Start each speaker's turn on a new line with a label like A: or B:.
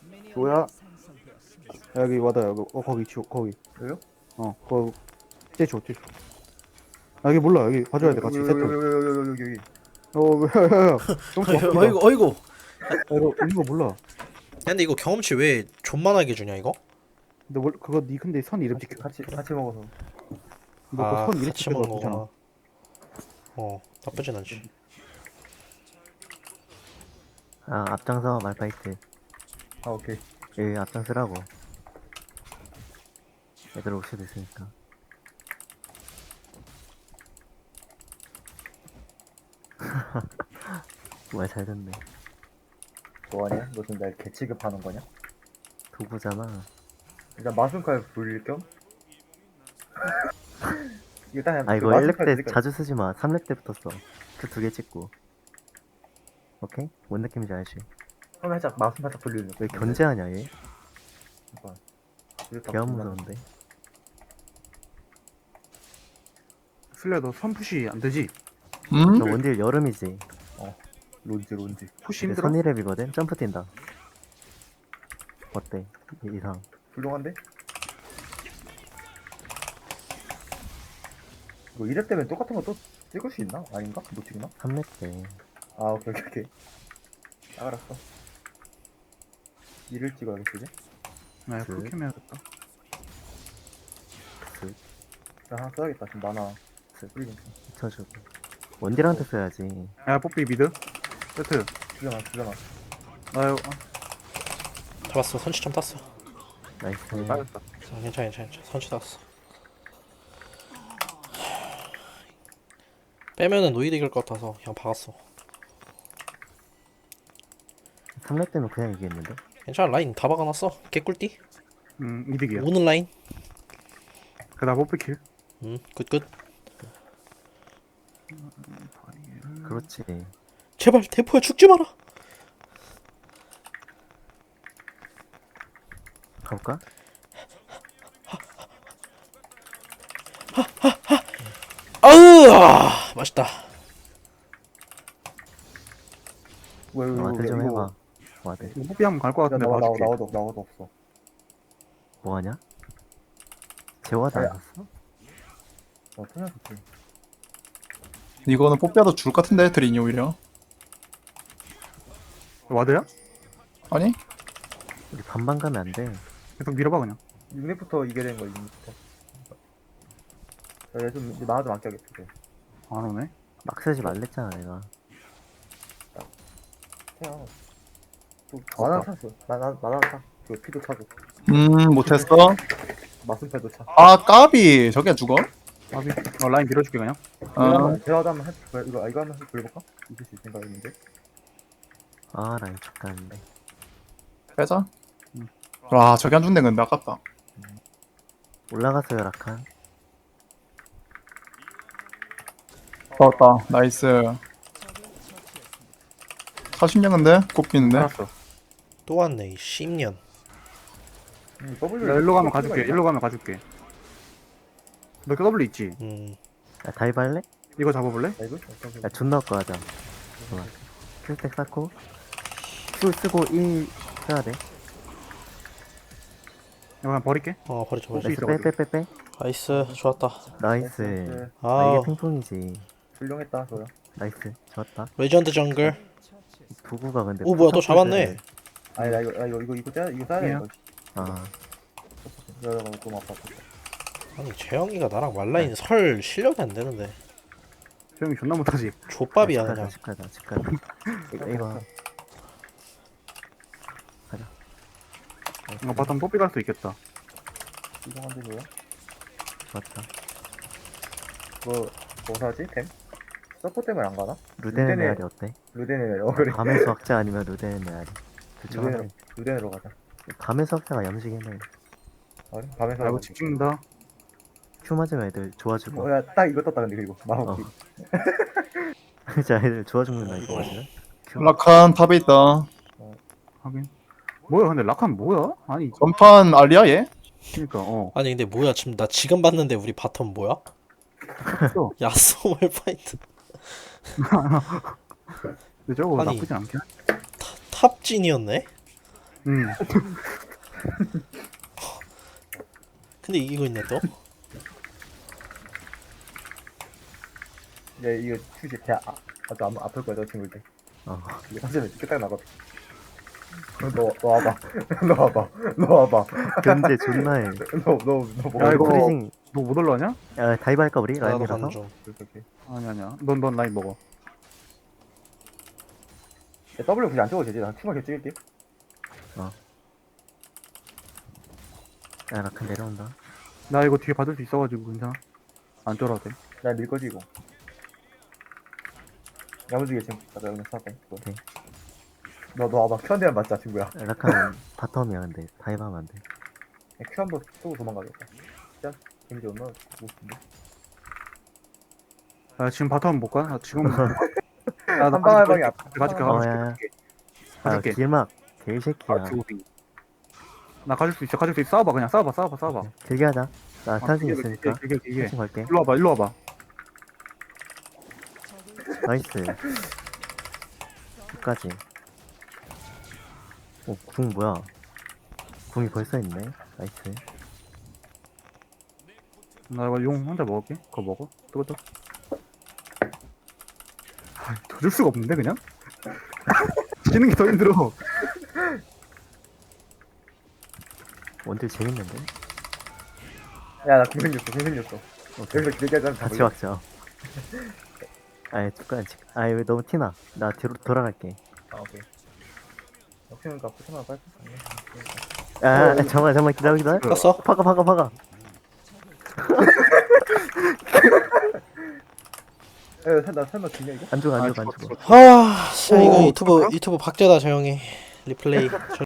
A: 뭐야? 여기 와다 여기 거기 치 거기
B: 여기요?
A: 거기 떼줘 여기 몰라 여기 봐줘야 돼 같이 세트
B: 여기.
A: 왜야야야
C: 어이구 어이구.
A: 이거 있는 거 몰라
C: 야, 근데 이거 경험치 왜 존만하게 주냐 이거?
A: 근데 그거 니 근데 선 이름 찍혀
B: 같이 먹어서.
A: 너선 이름
C: 같이
A: 찍혀서
C: 먹는
A: 그렇잖아
C: 거구나. 나쁘진 않지.
D: 아 앞장서 말파이트.
B: 아 오케이.
D: 여기 앞장서라고. 애들 올 수도 있으니까. 말 잘 듣네.
B: 뭐하냐? 너 지금 날 개취급하는 거냐?
D: 도구잖아.
B: 일단 마순칼 불릴 겸. 일단
D: 아 이거
B: 마순칼
D: 1렙 때
B: 불릴 겸.
D: 자주 쓰지 마. 3렙 때부터 써. 그 2개 찍고. 오케이? 뭔 느낌인지 알지?
B: 처음에 살짝 마순 살짝 불리는.
D: 왜 견제하냐 얘?
B: 이렇다
D: 개
B: 불리면
D: 무서운데.
A: 슬레 너선 푸시 안 되지?
D: 저 원딜 여름이지.
B: 론지.
A: 푸시
D: 근데
A: 힘들어?
D: 선이랩이거든? 점프 뛴다. 어때? 이상.
B: 훌륭한데? 이거 1렙 되면 똑같은 거 또 찍을 수 있나? 아닌가? 못 찍나?
D: 3렙 때.
B: 아 오케이. 알았어. 1을 찍어야겠지 이제?
A: 네 그렇게 해야겠다
B: 나 하나 써야겠다. 지금 만화 뿌리고 있어.
D: 붙여주고. 원딜한테 써야지.
A: 야 뽀삐 미드 세트
B: 주잖아.
A: 아유
C: 잡았어. 선취점 땄어.
D: 나이스.
A: 빠졌다
C: 괜찮아. 선취 땄어. 빼면은 노이드 이길 것 같아서 그냥 박았어.
D: 3렙 때면 그냥 이기겠는데?
C: 괜찮아. 라인 다 박아놨어. 개꿀띠.
A: 이득이야
C: 오는 라인.
A: 그다음 뽀삐 킬
C: 굿.
D: 그렇지.
C: 제발 대포야 죽지 마라.
D: 가볼까?
C: 맛있다.
D: 와드 좀 해봐. 와드.
A: 뽀삐 한번 갈 것 같은데 봐줄게
B: 나와도 없어.
D: 뭐하냐? 재화도 안
B: 아야.
D: 샀어?
B: 그냥 좋지.
E: 이거는 뽀삐아도 줄 것 같은데 드린이 오히려.
A: 와드야?
E: 아니?
D: 우리 반반 가면 안 돼.
A: 계속 밀어봐 그냥
B: 6렙부터 이게 되는 거야 6렙부터. 얘좀 만화 좀 아껴야겠어. 이제.
A: 안 오네
D: 막 쓰지 말랬잖아 내가.
B: 그냥 또 만화 샀어. 만화 사. 그 피도 차고
E: 못했어.
B: 마순팔도 차.
E: 아 까비 저게 죽어?
A: 아비 라인 밀어줄게 그냥
B: 제가 한번 이거 한번 해볼까? 이길 수 있을까 했는데.
D: 아 라인 죽다는데.
E: 빼자. 와 저게 안 죽네 근데 아깝다.
D: 올라가서요 라칸.
E: 좋았다. 나이스. 40년 근데? 꼽히는데?
A: 알았어
C: 또 왔네 이 10년.
B: W.
A: 나 일로 가면 가줄게 너 W 있지?
D: 야 다이브 할래?
A: 이거 잡아볼래?
B: 이거?
D: 야 존나 거 하자. 좋아. 킬백 쌓고 Q 쓰고 1 써야 돼.
A: 이거 그냥 버릴게
C: 버리자.
A: 수
D: 나이스
A: 있어,
D: 빼빼빼빼.
C: 나이스. 좋았다.
D: 나이스. 아
C: 아
D: 이게 핑퐁이지.
B: 훌륭했다 저야.
D: 나이스. 좋았다.
C: 레전드 정글.
D: 도구가 근데
C: 오 뭐야 또 잡았네.
B: 아니 나 이거 짜야 돼.
A: 미안.
B: 이거.
D: 아
B: 여러분 좀 아파.
C: 아니 재영이가 나랑 말라인 설 실력이 안 되는데.
A: 수영이 존나 못하지
C: 족밥이야
D: 집
C: 그냥.
D: 가자 집 가자. 이거 가자.
A: 이거 바텀 뽀삐 갈 수 있겠다
B: 이상한데 뭐야?
D: 좋았다.
B: 뭐 사지? 템? 서포 때문에 안 가나?
D: 루덴의
B: 루덴의-
D: 메아리 어때?
B: 루덴에 그래.
D: 밤의 수학자 아니면 루덴의 메아리. 둘 중 하나.
B: 루덴으로 가자.
D: 밤의 수학자가 염식이네.
B: 아니 밤에서
A: 나 이거 집 찍는다
D: 큐 맞으면 애들 좋아 죽어.
B: 야딱 이거 떴다 근데 그리고
D: 어.
B: 마법기.
D: 진짜 애들 좋아 죽는다 이거 맞으면.
E: 라칸 탑에 있다.
A: 하긴 뭐야 근데 라칸 뭐야? 아니
E: 전판 알리야 얘?
A: 그니까
C: 아니 근데 뭐야 지금 나 지금 봤는데 우리 바텀 뭐야?
A: 어
C: 야쏘 말파이트.
A: 근데 저거
C: 아니.
A: 나쁘지 않긴
C: 탑진이었네? 근데 이기고 있네 또.
B: 야 이거 휴지 배 아주 아플 거야 저 친구일 때.
D: 어.
B: 이게 사실은 끝딱 나거든. 너 와봐. 너 와봐. 너 와봐.
D: 견제 존나 해.
B: 너
A: 야, 이거-
D: 프리징.
A: 너 못 올라가냐?
D: 야, 다이브 할까, 우리?
C: 나도
D: 라인이라서?
C: 가는 중.
B: 이렇게.
A: 아니야. 넌 라인 먹어.
B: 야, W 굳이 안 찍어도 되지. 난 큐만 계속 찍을게.
D: 야, 라칸 내려온다.
A: 나 이거 뒤에 받을 수 있어가지고 괜찮아. 안 쫄아도 돼.
B: 난 밀 거지 이거. 야무지게 지금 가자 그냥 사다.
D: 오케이.
B: 너 와봐. 큐 한 대만 맞자 친구야.
D: 야, 라칸은 바텀이야, 근데. 다이브 하면 안 돼.
B: 큐 한 번 쏘고 도망가겠다. 진짜 재미지 얼마나 보고 싶은데.
A: 야, 지금 바텀 못 가? 나 지금. 야,
B: 한 방에 방이 앞.
A: 가줄게,
D: 어,
A: 가줄게.
D: 야, 야. 아,
A: 가줄게.
D: 길막. 개새끼야.
A: 나 가줄 수 있어. 싸워봐, 그냥 싸워봐.
D: 길게 하자. 나 탈진 있으니까.
A: 길게.
D: 탈진 걸게.
A: 일로 와봐.
D: 나이스. 끝까지. 오, 궁 뭐야? 궁이 벌써 있네. 나이스.
A: 나 이거 용 혼자 먹을게. 그거 먹어. 뜨거. 더 줄 수가 없는데, 그냥? 지는 게 더 힘들어.
D: 원딜 재밌는데?
B: 야나 공생겼어. 여기서 길게 하자.
D: 같이 막자. 아이, 잠깐. 아이, 왜 너무 티나? 나 뒤로 돌아갈게.
B: 아 오케이. 역시니까 포트나 빨리.
D: 야, 잠깐만, 기다려.
C: 떴어?
D: 박아.
B: 나 설마 지냐 이거?
D: 안 죽어.
C: 아, 진짜 이거 유튜브 박제다 저 형이 리플레이.